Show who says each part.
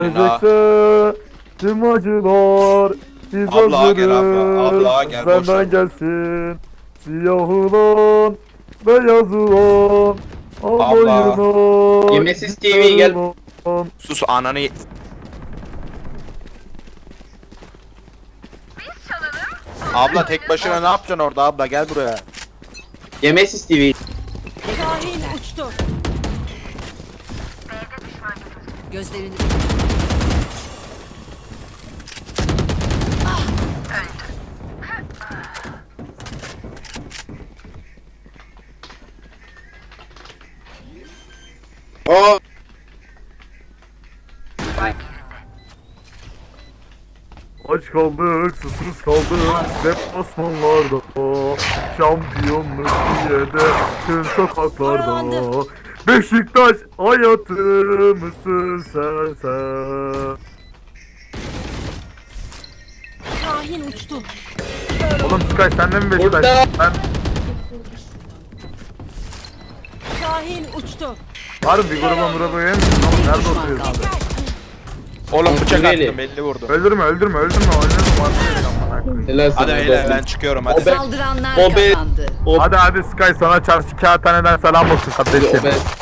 Speaker 1: Gelecekse tüm acılar biz
Speaker 2: Abla gel abla. Abla gel, boş ver.
Speaker 1: Benden gelsin. Siyah olan, beyaz olan.
Speaker 2: Abla.
Speaker 3: Yemesiz TV gel.
Speaker 2: Sus ananı. Abla tek başına ne yapacaksın orada abla, gel buraya.
Speaker 3: Yemesiz TV.
Speaker 4: Şahin uçtu. Gözlerini
Speaker 3: O
Speaker 1: Aç kaldık, susuz kaldık, deplasmanlarda, şampiyonluk diye de tüm sokaklarda. Beşiktaş hayatımızsın sen.
Speaker 4: Şahin uçtu.
Speaker 1: Oğlum Sky sen de mi Beşiktaş?
Speaker 3: Burada.
Speaker 1: Ben
Speaker 4: Şahin uçtu.
Speaker 1: harbi bir gruba yem. Nerede oturuyorsun?
Speaker 2: Oğlum bıçak
Speaker 3: Really?
Speaker 2: attım, belli vurdu.
Speaker 1: Öldürme. Oynayalım artık.
Speaker 3: helal sana.
Speaker 2: Hadi beyler ben çıkıyorum hadi.
Speaker 3: O be-
Speaker 4: Saldıranlar
Speaker 3: o be-
Speaker 4: kazandı.
Speaker 3: O
Speaker 1: Hadi Sky sana çarşı kağıthaneden selam olsun kardeşim.
Speaker 3: be-